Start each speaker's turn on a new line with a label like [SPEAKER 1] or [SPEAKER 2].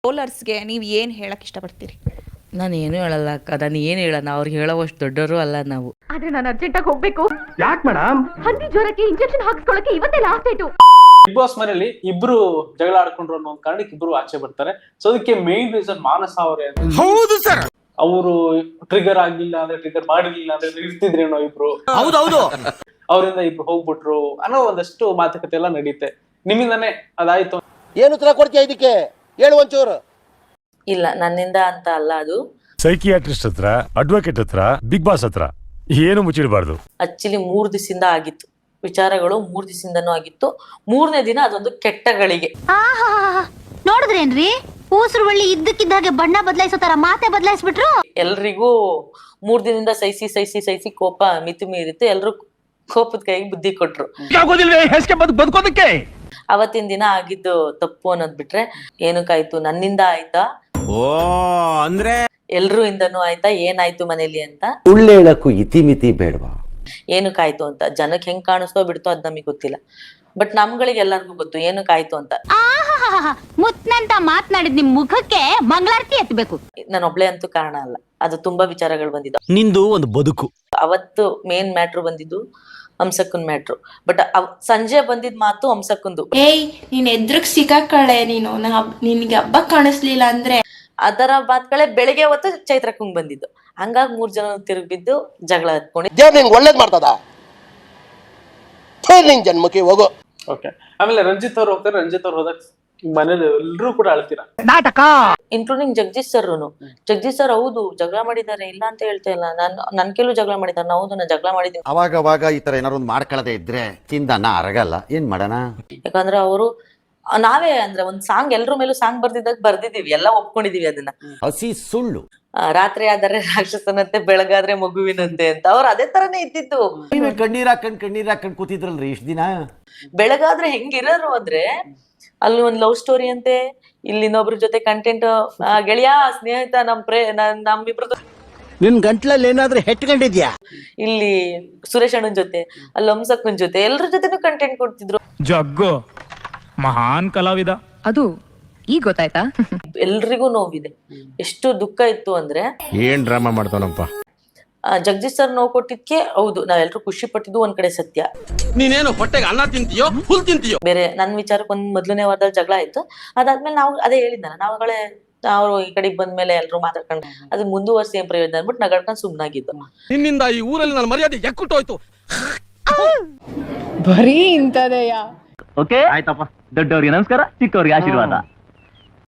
[SPEAKER 1] ಟ್ರೋಲರ್ಸ್ಗೆ ನೀವು ಏನು ಹೇಳಕ್ ಇಷ್ಟಪಡ್ತೀರಿ?
[SPEAKER 2] ನಾನು ಏನು ಹೇಳಲ್ಲ ಅಕ್ಕ, ನಾನು ಏನು ಹೇಳೋಣ, ಅವ್ರಿಗೆ ಹೇಳೋವಷ್ಟು ದೊಡ್ಡವರು ಅಲ್ಲ ನಾವು.
[SPEAKER 3] ಆದ್ರೆ ನಾನು ಅರ್ಜೆಂಟಾಗಿ ಹೋಗ್ಬೇಕು.
[SPEAKER 4] ಯಾಕೆ ಮೇಡಮ್?
[SPEAKER 3] ಹಂದಿ ಜ್ವರಕ್ಕೆ ಇಂಜೆಕ್ಷನ್ ಹಾಕಿಸ್ಕೊಳ್ಳಕ್ಕೆ ಇವತ್ತೇ ಲಾಸ್ಟ್ ಡೇಟು.
[SPEAKER 4] ಬಿಗ್ ಬಾಸ್ ಮನೆಯಲ್ಲಿ ಇಬ್ರು ಜಗಳ ಆಡ್ಕೊಂಡ್ರು ಅನ್ನೋ ಒಂದು ಕಾರಣಕ್ಕೆ ಇಬ್ರು ಆಚೆ ಬರ್ತಾರೆ. ಸೊ ಅದಕ್ಕೆ ಮೇನ್ ರೀಸನ್ ಮಾನಸ ಅವರೇ.
[SPEAKER 5] ಹೌದು ಸರ್,
[SPEAKER 4] ಅವರು ಟ್ರಿಗರ್ ಆಗ್ಲಿಲ್ಲ ಅಂದ್ರೆ, ಟ್ರಿಗರ್ ಮಾಡಿರ್ಲಿಲ್ಲ ಅಂದ್ರೆ ಇರ್ತಿದ್ರೇನೋ ಇಬ್ರು.
[SPEAKER 5] ಹೌದೌದು,
[SPEAKER 4] ಅವರಿಂದ ಇಬ್ರು ಹೋಗ್ಬಿಟ್ರು ಅನ್ನೋ ಒಂದಷ್ಟು ಮಾತುಕತೆ ಎಲ್ಲ ನಡೀತೆ. ನಿಮ್ಮಿಂದಾನೆ ಅದಾಯ್ತು.
[SPEAKER 6] ಏನು ಉತ್ತರ ಕೊಡ್ತೀಯ ಇದಕ್ಕೆ? ಹೇಳು ಒಂಚೂರು.
[SPEAKER 2] ಇಲ್ಲ, ನನ್ನಿಂದ ಅಂತ ಅಲ್ಲ, ಅದು
[SPEAKER 7] ಸೈಕಿಯಾಟ್ರಿಸ್ಟ್ ಹತ್ರ, ಅಡ್ವೊಕೇಟ್ ಹತ್ರ, ಬಿಗ್ ಬಾಸ್ ಹತ್ರ ಏನು ಮುಚ್ಚಿಡಬಾರ್ದು.
[SPEAKER 2] ಆಕ್ಚುಲಿ 3 ದಿವಸದಿಂದ ಆಗಿತ್ತು ವಿಚಾರಗಳು, 3 ದಿವಸದಿಂದನೂ ಆಗಿತ್ತು. 3ನೇ ದಿನ ಅದೊಂದು ಕೆಟ್ಟಗಳಿಗೆ.
[SPEAKER 3] ನೋಡಿದ್ರೇನ್ರಿ, ಊಸರು ಬಳ್ಳಿ ಇದ್ದಕ್ಕಿದ್ದಾಗೆ ಬಣ್ಣ ಬದಲಾಯಿಸೋ ತರ ಮಾತೆ ಬದಲಾಯಿಸ್ಬಿಟ್ರು.
[SPEAKER 2] ಎಲ್ರಿಗೂ 3 ದಿನದಿಂದ ಸಹಿಸಿ ಕೋಪ ಮಿತಿ ಮೀರಿತ್ತು. ಎಲ್ರು ಕೋಪದ ಕೈಗೆ ಬುದ್ಧಿ ಕೊಟ್ರು.
[SPEAKER 5] ಬದುಕೋದಕ್ಕೆ
[SPEAKER 2] ಅವತ್ತಿನ ದಿನ ಆಗಿದ್ದು ತಪ್ಪು ಅನ್ನೋದ್ ಬಿಟ್ರೆ ಏನಕ್ಕಾಯ್ತು, ನನ್ನಿಂದ ಆಯ್ತಾ,
[SPEAKER 5] ಓ ಅಂದ್ರೆ
[SPEAKER 2] ಎಲ್ರೂ ಇಂದನೂ ಆಯ್ತಾ, ಏನಾಯ್ತು ಮನೇಲಿ ಅಂತ,
[SPEAKER 6] ಸುಳ್ಳು ಹೇಳಕ್ಕೂ ಇತಿಮಿತಿ ಬೇಡವಾ?
[SPEAKER 2] ಏನಕ್ಕಾಯ್ತು ಅಂತ ಜನಕ್ಕೆ ಹೆಂಗ್ ಕಾಣಿಸ್ತೋ ಬಿಡ್ತೋ ಅದ್ ನಮಗೆ ಗೊತ್ತಿಲ್ಲ. ಬಟ್ ನಮ್ಗಳಿಗೆ ಎಲ್ಲರಿಗೂ ಗೊತ್ತು ಏನಕ್ಕಾಯ್ತು ಅಂತ.
[SPEAKER 3] ಮುತ್ನಂತ ಮಾತನಾಡಿದ್ ನಿಮ್ ಮುಖಕ್ಕೆ ಮಂಗಳಾರತಿ ಎತ್ತಬೇಕು.
[SPEAKER 2] ನಾನು ಒಬ್ಳೆ ಅಂತೂ ಕಾರಣ ಅಲ್ಲ, ಅದು ತುಂಬಾ ವಿಚಾರಗಳು ಬಂದಿದ್ದು.
[SPEAKER 5] ನಿಂದು ಒಂದು ಬದುಕು.
[SPEAKER 2] ಅವತ್ತು ಮೇನ್ ಮ್ಯಾಟ್ರು ಬಂದಿದ್ದು ಹಂಸಕ್ಕನ್ ಮ್ಯಾಟ್ರು. ಬಟ್ ಸಂಜೆ ಬಂದಿದ್ ಮಾತು ಹಂಸಕ್ಕಂದು.
[SPEAKER 8] ಏಯ್, ನೀನ್ ಎದ್ರಗ್ ಸಿಗಾಕಳೆ ನೀನು, ನಿನ್ಗೆ ಹಬ್ಬ ಕಾಣಿಸ್ಲಿಲ್ಲ ಅಂದ್ರೆ.
[SPEAKER 2] ಅದರ ಮಾತುಗಳೇ ಬೆಳಿಗ್ಗೆ ಹೊತ್ತು ಚೈತ್ರಕ್ಕಂಗ್ ಬಂದಿದ್ದು. ಹಂಗಾಗಿ 3 ಜನ ತಿರುಗಿದ್ದು ಜಗಳ ಹತ್ಕೊಂಡು
[SPEAKER 6] ದೇವ್ರು ನಿಂಗೆ ಒಳ್ಳೇದ್ ಮಾಡ್ತದ? ನಿನ್ ಜನ್ಮಕ್ಕೆ ಹೋಗೋ.
[SPEAKER 4] ಓಕೆ, ಆಮೇಲೆ ರಂಜಿತ್ ಅವ್ರು ಹೋಗ್ತಾರೆ. ರಂಜಿತ್ ಅವ್ರು ಹೋದಾಗ ಮನೇಲಿ ಎಲ್ರೂ ಕೂಡ ಅಳ್ತೀರಾ,
[SPEAKER 5] ನಾಟಕ.
[SPEAKER 2] ಇನ್ಕ್ಲೂಡಿಂಗ್ ಜಗದೀಶ್ ಸರ್ ಹೌದು ಜಗಳ ಮಾಡಿದ್ದಾರೆ, ಇಲ್ಲ ಅಂತ ಹೇಳ್ತಾ ಇಲ್ಲ. ನನ್ ಕೆಲವು ಜಗಳ ಮಾಡಿದ್ದಾರೆ, ಹೌದು ನಾನು ಜಗಳ ಮಾಡಿದ್ದೀನಿ.
[SPEAKER 6] ಅವಾಗ ಈ ತರ ಏನಾರು ಒಂದು ಮಾಡ್ಕೊಳ್ಳದೆ ಇದ್ರೆ ಚಿಂದನ ಅರಗಲ್ಲ. ಏನ್ ಮಾಡೋಣ?
[SPEAKER 2] ಯಾಕಂದ್ರೆ ಅವರು ನಾವೇ ಅಂದ್ರೆ ಒಂದ್ ಸಾಂಗ್ ಎಲ್ರ ಮೇಲೂ ಸಾಂಗ್ ಬರ್ದಿದೀವಿ, ಎಲ್ಲ ಒಪ್ಕೊಂಡಿದೀವಿ ಅದನ್ನ.
[SPEAKER 6] ಹಸಿ ಸುಳ್ಳು.
[SPEAKER 2] ರಾತ್ರಿ ಆದರೆ ರಾಕ್ಷಸನಂತೆ, ಬೆಳಗಾದ್ರೆ ಮಗುವಿನಂತೆ ಅಂತ ಅವ್ರು ಅದೇ ತರನೇ ಇದ್ದಿತ್ತು.
[SPEAKER 6] ಕಣ್ಣೀರ್ ಹಾಕೊಂಡ್ ಕೂತಿದ್ರಲ್ರಿ ಇಷ್ಟ ದಿನ.
[SPEAKER 2] ಬೆಳಗಾದ್ರೆ ಹೆಂಗಿರೋರು ಅಂದ್ರೆ ಅಲ್ಲಿ ಒಂದ್ ಲವ್ ಸ್ಟೋರಿ ಅಂತೆ, ಇಲ್ಲಿ ಇನ್ನೊಬ್ರ ಜೊತೆ ಕಂಟೆಂಟ್, ಗೆಳೆಯ ಸ್ನೇಹಿತ ನಮ್ಮಿಬ್ರದ್ದು.
[SPEAKER 5] ನಿನ್ ಗಂಟ್ಲಲ್ಲಿ ಏನಾದ್ರೂ ಹೆಟ್ಕೊಂಡಿದ್ಯಾ?
[SPEAKER 2] ಇಲ್ಲಿ ಸುರೇಶ್ ಅಣ್ಣನ್ ಜೊತೆ, ಅಲ್ಲಿ ಹಂಸಕ್ಕನ್ ಜೊತೆ, ಎಲ್ರ ಜೊತೆನೂ ಕಂಟೆಂಟ್ ಕೊಡ್ತಿದ್ರು.
[SPEAKER 9] ಜಗ್ಗು ಮಹಾನ್ ಕಲಾವಿದ. ಅದು ಈಗ ಗೊತ್ತಾಯ್ತಾ?
[SPEAKER 2] ಎಲ್ರಿಗೂ ನೋವಿದೆ, ಎಷ್ಟು ದುಃಖ ಇತ್ತು ಅಂದ್ರೆ.
[SPEAKER 5] ಏನ್ ಡ್ರಾಮಾ ಮಾಡ್ತಾನಪ್ಪ
[SPEAKER 2] ಜಗದೀಶ್ ಸರ್ ನೋವು ಕೊಟ್ಟಿದ್ಕೆ ಹೌದು ನಾವೆಲ್ಲರೂ ಖುಷಿ ಪಟ್ಟಿದ್ದು ಒಂದ್ ಕಡೆ ಸತ್ಯ.
[SPEAKER 5] ನೀನೇನು ಹೊಟ್ಟೆಗೆ ಅನ್ನ ತಿಂತೀಯೋ ಹುಲ್ ತಿಂತೀಯೋ?
[SPEAKER 2] ಬೇರೆ ನನ್ ವಿಚಾರಕ್ಕೆ ಮೊದಲನೇ ವಾರದಲ್ಲಿ ಜಗಳ ಆಯ್ತು. ಅದಾದ್ಮೇಲೆ ನಾವು ಅದೇ ಹೇಳಿದ್ನಲ್ಲ, ನಾವುಗಳೇ ಅವ್ರು ಈ ಕಡೆಗೆ ಬಂದ್ಮೇಲೆ ಎಲ್ರು ಮಾತಾಡ್ಕೊಂಡು ಅದು ಮುಂದುವರ್ಸಿ ಏನ್ ಪ್ರಯೋಜನ ಅನ್ಬಿಟ್ಟು ನಗಡ್ಕೊಂಡು ಸುಮ್ನಾಗಿದ್ದು.
[SPEAKER 5] ನಿನ್ನಿಂದ ಈ ಊರಲ್ಲಿ ನನ್ನ ಮರ್ಯಾದೆ ಎಕ್ಕುಟ್ಟೋಯ್ತು.
[SPEAKER 9] ಬರೀ ಇಂತದೆಯಾ?
[SPEAKER 10] ಓಕೆ ಆಯ್ತಪ್ಪ, ದೊಡ್ಡವ್ರಿಗೆ ನಮಸ್ಕಾರ, ಚಿಕ್ಕವ್ರಿಗೆ ಆಶೀರ್ವಾದ.